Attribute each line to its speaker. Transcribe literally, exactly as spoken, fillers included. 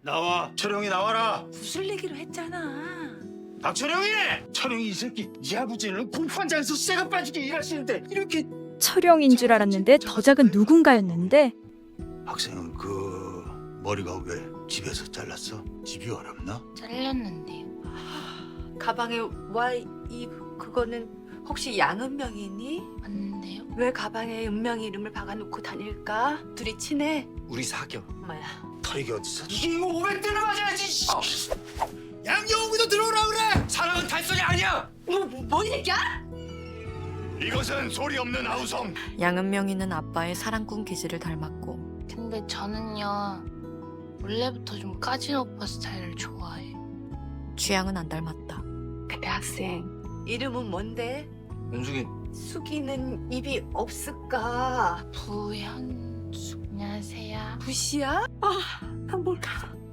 Speaker 1: 나와. 철영이 나와라.
Speaker 2: 구슬내기로 했잖아.
Speaker 1: 박철영이! 철영이 이 새끼 이 아버지는 공판장에서 쇠가 빠지게 일하시는데 이렇게.
Speaker 3: 철영인 줄 알았는데 더 작은 누군가였는데
Speaker 1: 학생은 그 머리가 왜 집에서 잘랐어? 집이 어렵나?
Speaker 4: 잘렸는데요.
Speaker 2: 가방에 Y 이 그거는 혹시 양은명이니?
Speaker 4: 맞는데요.
Speaker 2: 왜 가방에 은명이 이름을 박아놓고 다닐까? 둘이 친해?
Speaker 5: 우리 사겨.
Speaker 2: 엄마야.
Speaker 1: 털이게 어딨어? 이게 이거 오백 대를 맞아야지. 양영우도 들어오라 그래.
Speaker 5: 사랑은 단소리 아니야.
Speaker 2: 뭐뭔 얘기야?
Speaker 1: 이것은 소리 없는 아우성.
Speaker 6: 양은명이는 아빠의 사랑꾼 기질을 닮았고
Speaker 4: 근데 저는요 원래부터 좀 까진 오빠 스타일을 좋아해요.
Speaker 6: 취향은 안 닮았다.
Speaker 2: 그때 학생 이름은 뭔데?
Speaker 5: 윤숙이.
Speaker 2: 숙이는 입이 없을까?
Speaker 4: 부현수 안녕하세요.
Speaker 2: 부시야? 아, 난 몰라.